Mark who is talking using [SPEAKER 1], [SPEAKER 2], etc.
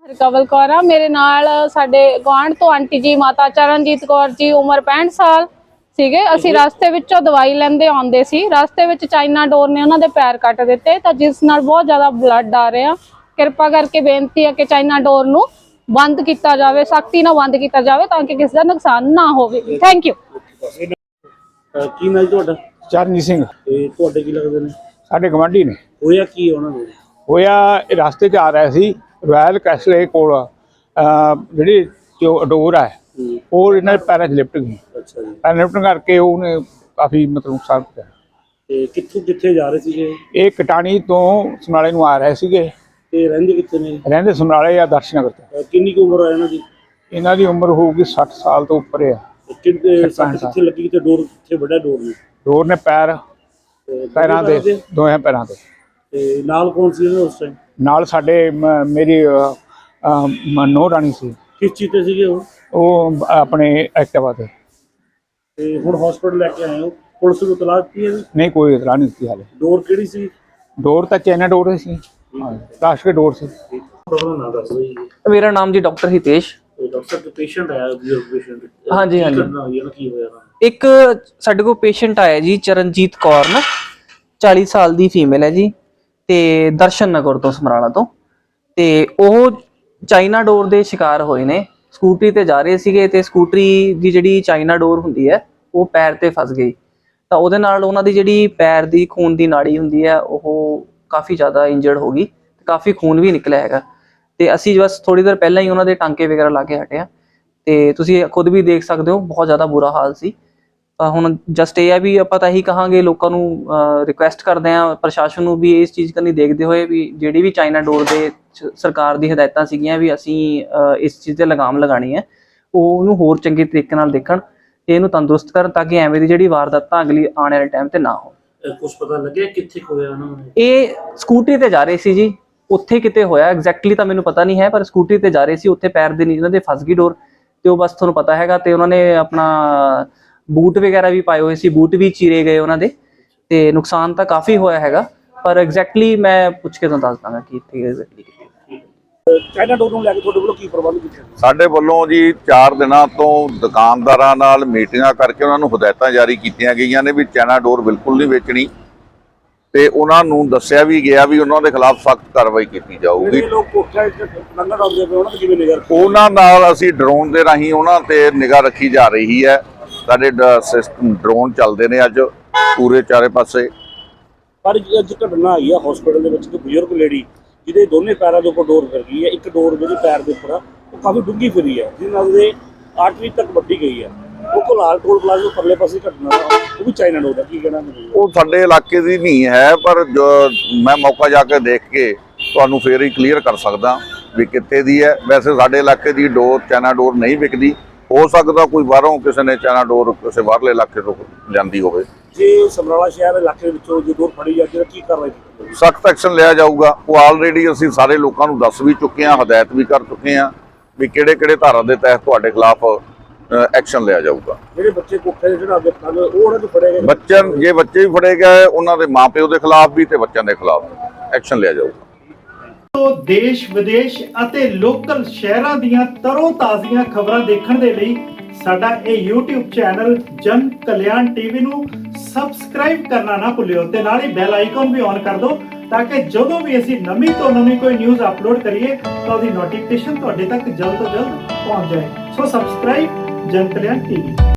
[SPEAKER 1] ਕਵਲ ਕੌਰ ਆ। ਮੇਰੇ ਨਾਲ ਸਾਡੇ ਗੁਆਂਢ ਤੋਂ ਆਂਟੀ ਜੀ ਮਾਤਾ ਚਰਨਜੀਤ ਕੌਰ ਜੀ, ਉਮਰ 65 ਸਾਲ ਸੀਗੇ। ਅਸੀਂ ਰਸਤੇ ਵਿੱਚੋਂ ਦਵਾਈ ਲੈਂਦੇ ਆਉਂਦੇ ਸੀ। ਰਸਤੇ ਵਿੱਚ ਚਾਈਨਾ ਡੋਰ ਨੇ ਉਹਨਾਂ ਦੇ ਪੈਰ ਕੱਟ ਦਿੱਤੇ, ਤਾਂ ਜਿਸ ਨਾਲ ਬਹੁਤ ਜ਼ਿਆਦਾ ਬਲੱਡ ਆ ਰਿਹਾ। ਕਿਰਪਾ ਕਰਕੇ ਬੇਨਤੀ ਹੈ ਕਿ ਚਾਈਨਾ ਡੋਰ ਨੂੰ ਬੰਦ ਕੀਤਾ ਜਾਵੇ, ਸਖਤੀ ਨਾਲ ਬੰਦ ਕੀਤਾ ਜਾਵੇ ਤਾਂ ਕਿ ਕਿਸੇ ਦਾ ਨੁਕਸਾਨ ਨਾ ਹੋਵੇ। Thank you.
[SPEAKER 2] ਕੀ ਨਾਲ ਤੁਹਾਡਾ?
[SPEAKER 3] ਚਰਨਜੀਤ ਸਿੰਘ।
[SPEAKER 2] ਤੇ ਤੁਹਾਡੇ ਕੀ ਲੱਗਦੇ ਨੇ?
[SPEAKER 3] ਸਾਡੇ ਗਵਾਂਢੀ ਨੇ।
[SPEAKER 2] ਹੋਇਆ ਕੀ ਉਹਨਾਂ ਨੂੰ?
[SPEAKER 3] ਹੋਇਆ ਇਹ ਰਸਤੇ 'ਚ ਆ ਰਿਹਾ ਸੀ, ਰਾਇਲ ਕੈਸਲੇ ਕੋਲ ਜਿਹੜੀ ਡੋਰ ਹੈ ਉਹ ਇਹਨਾਂ ਦੇ ਪੈਰਾਂ 'ਚ ਲਿਪਟ ਗਈ।
[SPEAKER 2] ਅੱਛਾ ਜੀ।
[SPEAKER 3] ਪੈਰ ਲਿਪਟਣ ਕਰਕੇ ਉਹਨੇ ਕਾਫੀ ਮਤਲਬ ਨੁਕਸਾਨ ਕੀਤਾ।
[SPEAKER 2] ਤੇ ਕਿੱਥੇ ਜਾ ਰਹੇ ਸੀਗੇ?
[SPEAKER 3] ਇਹ ਕਟਾਣੀ ਤੋਂ ਸਮਰਾਲੇ ਨੂੰ ਆ ਰਹੇ ਸੀਗੇ।
[SPEAKER 2] ਤੇ ਰਹਿੰਦੇ ਕਿੱਥੇ ਨੇ?
[SPEAKER 3] ਰਹਿੰਦੇ ਸਮਰਾਲੇ ਜਾਂ ਦਰਸ਼ਨਗਰ ਤੇ।
[SPEAKER 2] ਕਿੰਨੀ ਕੁ ਉਮਰ ਹੈ ਇਹਨਾਂ ਦੀ?
[SPEAKER 3] ਇਹਨਾਂ ਦੀ ਉਮਰ ਹੋਊਗੀ 60 ਸਾਲ ਤੋਂ ਉੱਪਰ ਆ।
[SPEAKER 2] ਕਿੱਥੇ ਲੱਗੀ ਤੇ ਡੋਰ ਕਿੱਥੇ ਵੱਡਾ ਡੋਰ ਨੇ?
[SPEAKER 3] ਡੋਰ ਨੇ ਪੈਰਾਂ ਦੇ ਦੋਹਾਂ ਪੈਰਾਂ ਤੇ।
[SPEAKER 2] ਤੇ ਨਾਲ ਕੌਣ ਸੀ ਉਸ ਟਾਈਮ?
[SPEAKER 3] ਨਾਲ ਸਾਡੇ ਮੇਰੀ ਨੋ ਰਾਣੀ ਸੀ।
[SPEAKER 2] ਕਿਸ ਚੀਜ਼ ਤੇ ਸੀਗੇ ਉਹ?
[SPEAKER 3] ਉਹ ਆਪਣੇ ਐਕਟਿਵਾ ਤੇ।
[SPEAKER 2] ਤੇ ਹੁਣ ਹਸਪੀਟਲ ਲੈ ਕੇ ਆਏ ਹੋ? ਪੁਲਿਸ ਨੂੰ ਇਤਲਾਹ ਦਿੱਤੀ ਹੈ?
[SPEAKER 3] ਨਹੀਂ, ਕੋਈ ਇਤਲਾਹ ਨਹੀਂ ਦਿੱਤੀ ਹਾਲੇ।
[SPEAKER 2] ਡੋਰ ਕਿਹੜੀ ਸੀ?
[SPEAKER 3] ਡੋਰ ਤਾਂ ਚਾਈਨਾ ਡੋਰ ਸੀ, ਪਲਾਸਟਿਕ ਡੋਰ ਸੀ।
[SPEAKER 2] ਨਾਮ ਦੱਸ ਦਿਓ ਜੀ।
[SPEAKER 4] ਮੇਰਾ ਨਾਮ ਜੀ ਡਾਕਟਰ ਹਿਤੇਸ਼।
[SPEAKER 2] ਡਾਕਟਰ ਦਾ ਪੇਸ਼ੈਂਟ ਆਇਆ ਪੇਸ਼ੈਂਟ?
[SPEAKER 4] ਹਾਂਜੀ ਹਾਂਜੀ।
[SPEAKER 2] ਕੀ ਹੋਇਆ?
[SPEAKER 4] ਇੱਕ ਸਾਡੇ ਕੋਲ ਪੇਸ਼ੈਂਟ ਆਇਆ ਜੀ, ਚਰਨਜੀਤ ਕੌਰ ਨਾ, 40 ਸਾਲ ਦੀ ਫੀਮੇਲ ਹੈ ਜੀ, ਤੇ ਦਰਸ਼ਨ ਨਗਰ ਤੋਂ, ਸਮਰਾਲਾ ਤੋਂ। ਤੇ ਉਹ ਚਾਈਨਾ ਡੋਰ ਦੇ ਸ਼ਿਕਾਰ ਹੋਏ ਨੇ। ਸਕੂਟਰੀ ਤੇ ਜਾ ਰਹੇ ਸੀਗੇ ਤੇ ਸਕੂਟਰੀ ਦੀ ਜਿਹੜੀ ਚਾਈਨਾ ਡੋਰ ਹੁੰਦੀ ਹੈ ਉਹ ਪੈਰ ਤੇ ਫਸ ਗਈ, ਤਾਂ ਉਹਦੇ ਨਾਲ ਉਹਨਾਂ ਦੀ ਜਿਹੜੀ ਪੈਰ ਦੀ ਖੂਨ ਦੀ ਨਾੜੀ ਹੁੰਦੀ ਹੈ ਉਹ ਕਾਫੀ ਜ਼ਿਆਦਾ ਇੰਜਰਡ ਹੋ ਗਈ, ਤੇ ਕਾਫੀ ਖੂਨ ਵੀ ਨਿਕਲਿਆ ਹੈਗਾ। ਤੇ ਅਸੀਂ ਬਸ ਥੋੜੀ ਦੇਰ ਪਹਿਲਾਂ ਹੀ ਉਹਨਾਂ ਦੇ ਟਾਂਕੇ ਵਗੈਰਾ ਲਾ ਕੇ ਹਟੇ ਆ, ਤੇ ਤੁਸੀਂ ਖੁਦ ਵੀ ਦੇਖ ਸਕਦੇ ਹੋ ਬਹੁਤ ਜ਼ਿਆਦਾ ਬੁਰਾ ਹਾਲ ਸੀ। ਤਾਂ ਹੁਣ ਜਸਟ ਇਹ ਹੈ ਵੀ ਆਪਾਂ ਤਾਂ ਇਹੀ ਕਹਾਂਗੇ, ਲੋਕਾਂ ਨੂੰ ਰਿਕੁਐਸਟ ਕਰਦੇ ਹਾਂ, ਪ੍ਰਸ਼ਾਸਨ ਨੂੰ ਵੀ ਇਸ ਚੀਜ਼ ਕਰਨੀ ਦੇਖਦੇ ਹੋਏ ਵੀ ਜਿਹੜੀ ਵੀ ਚਾਈਨਾ ਡੋਰ ਦੇ ਸਰਕਾਰ ਦੀ ਹਦਾਇਤਾਂ ਸੀਗੀਆਂ ਵੀ ਅਸੀਂ ਇਸ ਚੀਜ਼ ਤੇ ਲਗਾਮ ਲਗਾਣੀ ਹੈ, ਉਹ ਉਹਨੂੰ ਹੋਰ ਚੰਗੇ ਤਰੀਕੇ ਨਾਲ ਦੇਖਣ ਤੇ ਇਹਨੂੰ ਤੰਦਰੁਸਤ ਕਰਨ, ਤਾਂ ਕਿ ਐਵੇਂ ਦੀ ਜਿਹੜੀ ਵਾਰਦਾਤਾਂ ਅਗਲੀ ਆਉਣ ਵਾਲੇ ਟਾਈਮ ਤੇ ਨਾ ਹੋਣ।
[SPEAKER 2] ਕੁਝ ਪਤਾ ਲੱਗਿਆ ਕਿੱਥੇ ਹੋਇਆ ਉਹਨਾਂ ਨੂੰ?
[SPEAKER 4] ਇਹ ਸਕੂਟਰੀ ਤੇ ਜਾ ਰਹੇ ਸੀ ਜੀ, ਉੱਥੇ ਕਿਤੇ ਹੋਇਆ ਐਗਜ਼ੈਕਟਲੀ ਤਾਂ ਮੈਨੂੰ ਪਤਾ ਨਹੀਂ ਹੈ, ਪਰ ਸਕੂਟਰੀ ਤੇ ਜਾ ਰਹੇ ਸੀ, ਉੱਥੇ ਪੈਰ ਦੇ ਨੀਚੇ ਉਹਨਾਂ ਦੇ ਫਸ ਗਈ ਡੋਰ, ਤੇ ਉਹ ਬਸ ਤੁਹਾਨੂੰ ਪਤਾ ਹੈਗਾ। ਤੇ ਉਹਨਾਂ ਨੇ ਆਪਣਾ ਬੂਟ ਵਗੈਰਾ ਵੀ ਪਾਏ ਹੋਏ ਸੀ, ਬੂਟ ਵੀ ਚੀਰੇ ਗਏ ਉਹਨਾਂ ਦੇ, ਤੇ ਨੁਕਸਾਨ ਤਾਂ ਕਾਫੀ ਹੋਇਆ ਹੈਗਾ, ਪਰ ਐਗਜ਼ੈਕਟਲੀ ਮੈਂ ਪੁੱਛ ਕੇ ਤੁਹਾਨੂੰ ਦੱਸ ਦਾਂਗਾ ਕਿ ਇੱਥੇ ਐਗਜ਼ੈਕਟਲੀ ਕਿੱਥੇ।
[SPEAKER 2] ਚਾਈਨਾ ਡੋਰ ਨੂੰ ਲੈ ਕੇ ਤੁਹਾਡੇ ਵੱਲੋਂ ਕੀ ਪ੍ਰਬੰਧ ਕੀਤੇ?
[SPEAKER 5] ਸਾਡੇ ਵੱਲੋਂ ਜੀ 4 ਦਿਨਾਂ ਤੋਂ ਦੁਕਾਨਦਾਰਾਂ ਨਾਲ ਮੀਟਿੰਗਾਂ ਕਰਕੇ ਉਹਨਾਂ ਨੂੰ ਹਦਾਇਤਾਂ ਜਾਰੀ ਕੀਤੀਆਂ ਗਈਆਂ ਨੇ ਵੀ ਚਾਈਨਾ ਡੋਰ ਬਿਲਕੁਲ ਨਹੀਂ ਵੇਚਣੀ, ਤੇ ਉਹਨਾਂ ਨੂੰ ਦੱਸਿਆ ਵੀ ਗਿਆ ਵੀ ਉਹਨਾਂ ਦੇ ਖਿਲਾਫ ਸਖਤ ਕਾਰਵਾਈ ਕੀਤੀ ਜਾਊਗੀ। ਉਹਨਾਂ ਨਾਲ ਅਸੀਂ ਡਰੋਨ ਦੇ ਰਾਹੀਂ ਉਹਨਾਂ ਤੇ ਨਿਗਾਹ ਰੱਖੀ ਜਾ ਰਹੀ ਹੈ। ਸਾਡੇ ਡਰੋਨ ਚੱਲਦੇ ਨੇ ਅੱਜ ਪੂਰੇ ਚਾਰੇ ਪਾਸੇ।
[SPEAKER 2] ਪਰ ਅੱਜ ਘਟਨਾ ਆਈ ਆ ਹਸਪੀਟਲ ਦੇ ਵਿੱਚ, ਇੱਕ ਬਜ਼ੁਰਗ ਲੇਡੀ ਜਿਹਦੇ ਦੋਨੇ ਪੈਰਾਂ ਦੇ ਉੱਪਰ ਡੋਰ ਫਿਰ ਗਈ ਹੈ। ਇੱਕ ਡੋਰ ਜਿਹੜੀ ਪੈਰ ਦੇ ਉੱਪਰ ਆ ਉਹ ਕਾਫੀ ਡੂੰਘੀ ਫਿਰੀ ਹੈ, ਜਿਹਦੇ ਨਾਲ ਉਹਦੇ ਆਰਟਰੀ ਤੱਕ ਵੱਢੀ ਗਈ ਹੈ। ਉਹ ਕੋਲਾਲ ਟੋਲ ਪਲਾਜ਼ਾ ਪਰਲੇ ਪਾਸੇ ਘਟਨਾ ਉਹ ਵੀ ਚਾਈਨਾ ਡੋਰ ਦਾ। ਕੀ ਕਹਿਣਾ?
[SPEAKER 5] ਉਹ ਸਾਡੇ ਇਲਾਕੇ ਦੀ ਨਹੀਂ ਹੈ, ਪਰ ਮੈਂ ਮੌਕਾ ਜਾ ਕੇ ਦੇਖ ਕੇ ਤੁਹਾਨੂੰ ਫੇਰ ਹੀ ਕਲੀਅਰ ਕਰ ਸਕਦਾ ਵੀ ਕਿੱਥੇ ਦੀ ਹੈ। ਵੈਸੇ ਸਾਡੇ ਇਲਾਕੇ ਦੀ ਡੋਰ ਚਾਈਨਾ ਡੋਰ ਨਹੀਂ ਵਿਕਦੀ, ਹੋ ਸਕਦਾ ਕੋਈ ਬਾਹਰੋਂ ਕਿਸੇ ਨੇ ਚਾਈਨਾ ਡੋਰ ਕਿਸੇ ਬਾਹਰਲੇ ਇਲਾਕੇ ਤੋਂ ਜਾਂਦੀ ਹੋਵੇ।
[SPEAKER 2] ਜੇ ਸਮਰਾਲਾ ਸ਼ਹਿਰ ਇਲਾਕੇ ਵਿੱਚੋਂ ਜੇ ਡੋਰ ਫੜੀ ਜਾਂਦੀ ਤਾਂ ਕੀ ਕਾਰਵਾਈ ਕੀਤੀ?
[SPEAKER 5] ਸਖਤ ਐਕਸ਼ਨ ਲਿਆ ਜਾਊਗਾ। ਉਹ ਆਲਰੇਡੀ ਅਸੀਂ ਸਾਰੇ ਲੋਕਾਂ ਨੂੰ ਦੱਸ ਵੀ ਚੁੱਕੇ ਹਾਂ, ਹਦਾਇਤ ਵੀ ਕਰ ਚੁੱਕੇ ਹਾਂ ਵੀ ਕਿਹੜੇ ਧਾਰਾ ਦੇ ਤਹਿਤ ਤੁਹਾਡੇ ਖਿਲਾਫ ਐਕਸ਼ਨ ਲਿਆ ਜਾਊਗਾ। ਜਿਹੜੇ ਬੱਚੇ ਕੋਠੇ ਤੇ ਚੜ੍ਹਾਉਂਦੇ ਉਹ ਉਹਨਾਂ ਨੂੰ ਫੜੇ ਗਏ? ਜੇ ਬੱਚੇ ਵੀ ਫੜੇ ਗਏ, ਉਹਨਾਂ ਦੇ ਮਾਪਿਓ ਦੇ ਖਿਲਾਫ ਵੀ ਤੇ ਬੱਚਿਆਂ ਦੇ ਖਿਲਾਫ ਐਕਸ਼ਨ ਲਿਆ ਜਾਊਗਾ।
[SPEAKER 6] ਦੇਸ਼ ਵਿਦੇਸ਼ ਅਤੇ ਲੋਕਲ ਸ਼ਹਿਰਾਂ ਦੀਆਂ ਤਰੋ ਤਾਜ਼ੀਆਂ ਖਬਰਾਂ ਦੇਖਣ ਦੇ ਲਈ ਸਾਡਾ ਇਹ YouTube ਚੈਨਲ ਜਨ ਕਲਿਆਣ ਟੀਵੀ ਨੂੰ ਸਬਸਕ੍ਰਾਈਬ ਕਰਨਾ ਨਾ ਭੁੱਲਿਓ, ਤੇ ਨਾਲ ਹੀ ਬੈਲ ਆਈਕਨ ਵੀ ਔਨ ਕਰ ਦਿਓ, ਤਾਂ ਕਿ ਜਦੋਂ ਵੀ ਅਸੀਂ ਨਵੀਂ ਤੋਂ ਨਵੀਂ ਕੋਈ ਨਿਊਜ਼ ਅਪਲੋਡ ਕਰੀਏ ਤਾਂ ਉਹਦੀ ਨੋਟੀਫਿਕੇਸ਼ਨ ਤੁਹਾਡੇ ਤੱਕ ਜਲਦ ਤੋਂ ਜਲਦ ਪਹੁੰਚ ਜਾਏ। ਸੋ ਸਬਸਕ੍ਰਾਈਬ ਜਨ ਕਲਿਆਣ ਟੀਵੀ।